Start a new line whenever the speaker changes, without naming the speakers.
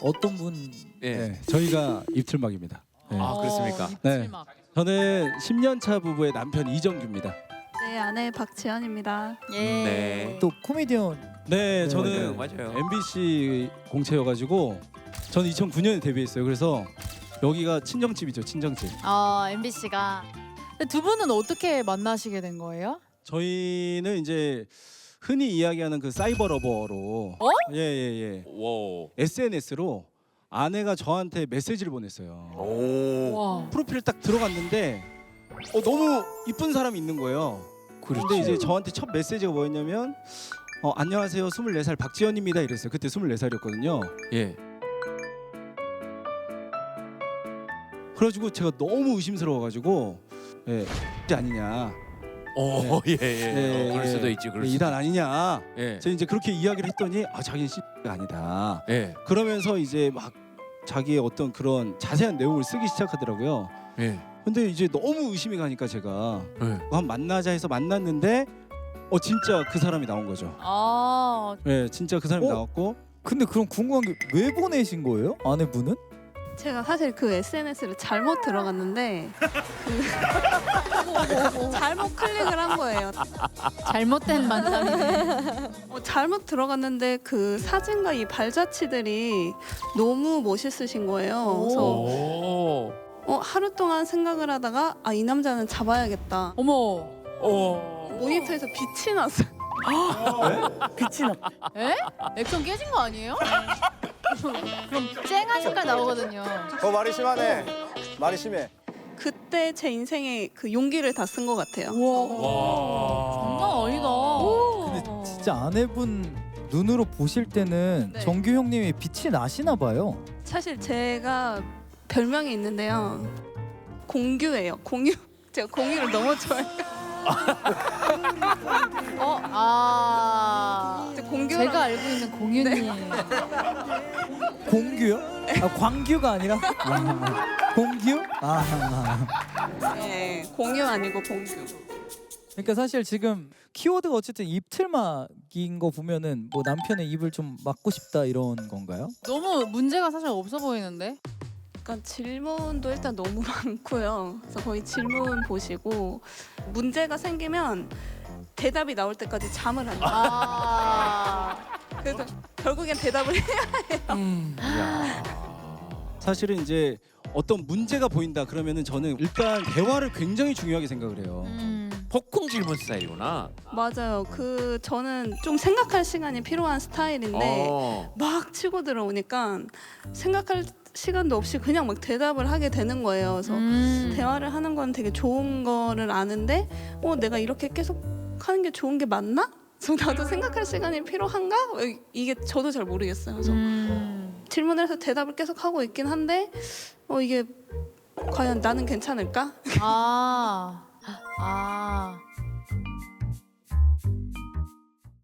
어떤 분?
예.
네, 저희가 입틀막입니다. 네.
아 그렇습니까?
네.
입틀막.
저는 10년 차 부부의 남편 이정규입니다.
네, 아내 박지연입니다.
예.
네.
또 코미디언.
네, 저는
맞아요.
MBC 공채여가지고 저는 2009년에 데뷔했어요. 그래서 여기가 친정집이죠, 친정집.
MBC가. 두 분은 어떻게 만나시게 된 거예요?
저희는 이제 흔히 이야기하는 그 사이버 러버로 예예예
오.
SNS로 아내가 저한테 메시지를 보냈어요.
오.
와.
프로필 딱 들어갔는데 너무 이쁜 사람이 있는 거예요. 근데 이제 저한테 첫 메시지가 뭐였냐면 안녕하세요 24살 박지연입니다 이랬어요. 그때 24살이었거든요.
예.
그래가지고 제가 너무 의심스러워가지고 이게 아니냐.
오, 예, 예. 그럴
예.
수도 있지. 그럴 수도.
이단 아니냐.
예.
제가 이제 그렇게 이야기를 했더니 자기는 X가 아니다.
예.
그러면서 이제 막 자기의 어떤 그런 자세한 내용을 쓰기 시작하더라고요.
예.
근데 이제 너무 의심이 가니까 제가
예.
한번 만나자 해서 만났는데 진짜 그 사람이 나온 거죠. 네, 진짜 그 사람이 나왔고.
근데 그럼 궁금한 게 왜 보내신 거예요? 아내분은?
제가 사실 그 SNS를 잘못 들어갔는데 잘못 클릭을 한 거예요.
잘못된 만남이네.
잘못 들어갔는데 그 사진과 이 발자취들이 너무 멋있으신 거예요. 그래서
오.
하루 동안 생각을 하다가 이 남자는 잡아야겠다.
어머.
오.
모니터에서 빛이 났어요.
빛이 났. 에? 액션 깨진 거 아니에요? 그럼 쨍한 색깔 나오거든요.
말이 심하네. 말이 심해.
그때 제 인생에 그 용기를 다 쓴 것 같아요.
와. 장난 아니다.
근데 진짜 아내분 눈으로 보실 때는
네.
정규 형님이 빛이 나시나 봐요.
사실 제가 별명이 있는데요. 공규예요. 공유. 제가 공유를 너무 좋아해요. 공규.
제가 알고 있는 공유님.
공규요? 광규가 아니라 공규?
네, 공유 아니고 공규.
그러니까 사실 지금 키워드가 어쨌든 입틀막인 거 보면은 뭐 남편의 입을 좀 막고 싶다 이런 건가요?
너무 문제가 사실 없어 보이는데.
그러니까 질문도 일단 너무 많고요. 그래서 거의 질문 보시고 문제가 생기면 대답이 나올 때까지 잠을 안 자요. 그래서 결국엔 대답을 해야
사실은 이제 어떤 문제가 보인다 그러면은 저는 일단 대화를 굉장히 중요하게 생각을 해요.
폭풍 질문 스타일이구나.
맞아요. 저는 좀 생각할 시간이 필요한 스타일인데 막 치고 들어오니까 생각할 시간도 없이 그냥 막 대답을 하게 되는 거예요. 그래서 대화를 하는 건 되게 좋은 거를 아는데 내가 이렇게 계속 하는 게 좋은 게 맞나? 그래서 나도 생각할 시간이 필요한가? 이게 저도 잘 모르겠어요. 그래서 질문을 해서 대답을 계속 하고 있긴 한데 이게 과연 나는 괜찮을까?